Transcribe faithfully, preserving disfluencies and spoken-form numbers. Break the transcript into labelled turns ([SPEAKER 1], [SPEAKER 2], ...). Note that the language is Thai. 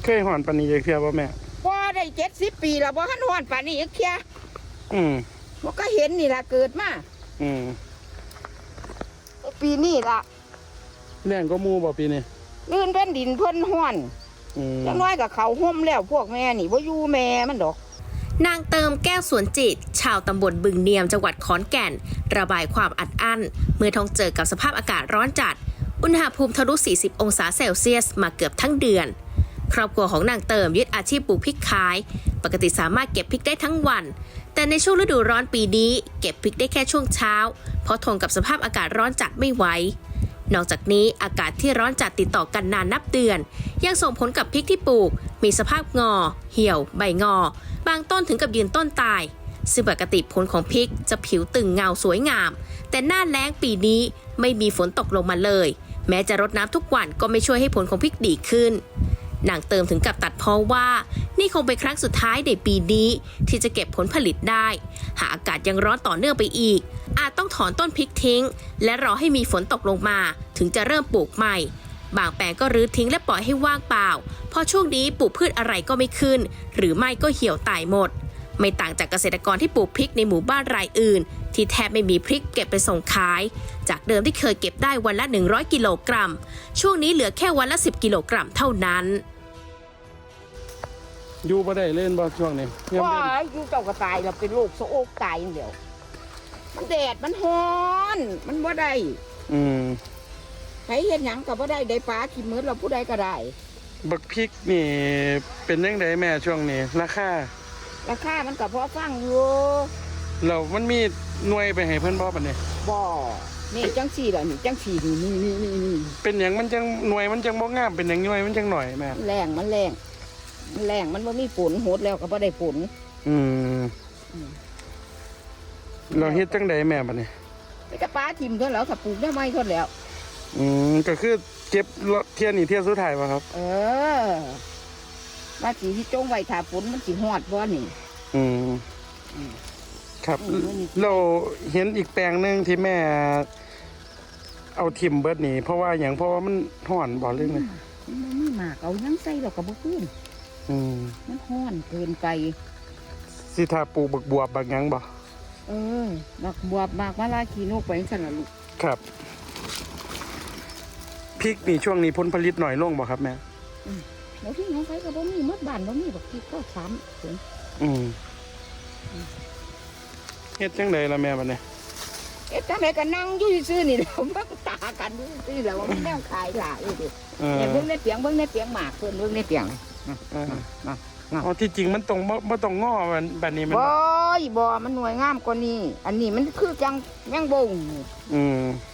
[SPEAKER 1] เคยหอนปานนี้จะเคือบ่แม่
[SPEAKER 2] บ่ได้เจ็ดสิบปีแล้วบ่ทันฮ้อนป่านนี้อีกเที่ย
[SPEAKER 1] อืม
[SPEAKER 2] บ่ก็เห็นนี่ล่ะเกิดมา
[SPEAKER 1] อืม
[SPEAKER 2] ปีนี้ล่ะ
[SPEAKER 1] แรงก็มูบ่ปีนี้
[SPEAKER 2] ลื่นเป็นดินเพิ่นฮ้อน
[SPEAKER 1] อืม
[SPEAKER 2] จังน้อยก็เขาห่มแล้วพวกแม่นี่บ่อยู่แม่มันดอก
[SPEAKER 3] นางเติมแก้วสวนจิตชาวตำบลบึงเนียมจังหวัดขอนแก่นระบายความอัดอั้นเมื่อต้องเจอกับสภาพอากาศร้อนจัดอุณหภูมิทะลุสี่สิบองศาเซลเซียสมาเกือบทั้งเดือนครอบครัวของนางเติมยึดอาชีพปลูกพริกขายปกติสามารถเก็บพริกได้ทั้งวันแต่ในช่วงฤดูร้อนปีนี้เก็บพริกได้แค่ช่วงเช้าเพราะทนกับสภาพอากาศร้อนจัดไม่ไหวนอกจากนี้อากาศที่ร้อนจัดติดต่อกันนานนับเดือนยังส่งผลกับพริกที่ปลูกมีสภาพงอเหี่ยวใบงอบางต้นถึงกับยืนต้นตายซึ่งปกติผลของพริกจะผิวตึงเงาสวยงามแต่หน้าแล้งปีนี้ไม่มีฝนตกลงมาเลยแม้จะรดน้ำทุกวันก็ไม่ช่วยให้ผลของพริกดีขึ้นนางเติมถึงกับตัดพ้อว่านี่คงเป็นครั้งสุดท้ายในปีนี้ที่จะเก็บผลผลิตได้หากอากาศยังร้อนต่อเนื่องไปอีกอาจต้องถอนต้นพริกทิ้งและรอให้มีฝนตกลงมาถึงจะเริ่มปลูกใหม่บางแปลงก็รื้อทิ้งและปล่อยให้ว่างเปล่าเพราะช่วงนี้ปลูกพืชอะไรก็ไม่ขึ้นหรือไม่ก็เหี่ยวตายหมดไม่ต่างจากเกษตรกรที่ปลูกพริกในหมู่บ้านรายอื่นที่แทบไม่มีพริกเก็บไปส่งขายจากเดิมที่เคยเก็บได้วันละหนึ่งร้อยกิโลกรัมช่วงนี้เหลือแค่วันละสิบกิโลกรัมเท่านั้น
[SPEAKER 1] อยู่บ่ได้เล่นบ่ช่วงนี้
[SPEAKER 2] ว่าอยู่เจ้าก็ตายแล้วเป็นโรคโซโอกตายอย่างเดียวมันแดดมันร้อนมันบ่ได้
[SPEAKER 1] อืม
[SPEAKER 2] ใครเฮ็ดหยังก็บ่ได้ได้ปลาขี้มืดเราผู้ใดก็ได้
[SPEAKER 1] บักพริกนี่เป็นจังไดแม่ช่วงนี้ราคา
[SPEAKER 2] ราคามันก็พอฟังอยู่
[SPEAKER 1] แล้วมันมีหน่วยไปให้เพิ่นบ่บัดนี้
[SPEAKER 2] บ่นี่จังซี่ล่ะนี่จังซี่นี่นี่นี่นี่
[SPEAKER 1] เป็นหยังมันจังหน่วยมันจังบ่งามเป็นหยังหน่วยมันจังหน่อยแม่
[SPEAKER 2] แรงมันแรงมันแรงมันบ่มีฝนโหดแล้วก็บ่ได้ฝน
[SPEAKER 1] อืมเราเฮ็ดจังไดแม่บัดนี้
[SPEAKER 2] ไปกะปลาทิ่มเท่าแล้วก็ปลูกได้ไม้เท่าแล้ว
[SPEAKER 1] อืมก็คือเก็บเที่ยนี่เที่ยสุดท้ายป่ะครับ
[SPEAKER 2] เออว่าสีที่จงไว้ถ้าฝนมันสิฮอดบ่นี่
[SPEAKER 1] อืมครับเราเห็นอีกแปลงนึงที่แม่เอาทิมเบิดนี่เพราะว่าอย่างเพราะว่ามันห่อนบ่เรื่องเลย
[SPEAKER 2] มันมีหมากเอายังใส่เราก็บ่ขึ้น
[SPEAKER 1] อืม
[SPEAKER 2] มันฮ้อนเกินไป
[SPEAKER 1] สิถ้าปลูกบักบวบบักหยังบ่
[SPEAKER 2] เออบักบวบหมากมะลาขี้นกไปจังซั่นล่ะลูก
[SPEAKER 1] ครับพริกนี่ช่วงนี้ผลผลิตหน่อยลงบ่ครับแม่
[SPEAKER 2] อืมแล้วที่น้องไผก็บ่มีหมดบ้านบ่มีบักพริกก็ซ้ำถึง
[SPEAKER 1] อืมเฮ็ดจังไดล่ะแม่บัดนี้
[SPEAKER 2] เฮ็ดจังไดก็นั่งอยู่ซื่อๆนี่แหละเบิ่งตากันอยู่ซื่อๆแล้วว่ามันแนวขายหลายอยู่ดิเนี่ยเบิ่งในเปียงเบิ่งในเปียงหมากเพิ่นเบิ่งในเปียง
[SPEAKER 1] เอออ๋อที่จริงมันตรงบ่บ่ต้องงอแบบนี้มัน
[SPEAKER 2] บ่บ่มันหน่วยงามกว่านี้อันนี้มันคือจังยังบ่ง
[SPEAKER 1] อืม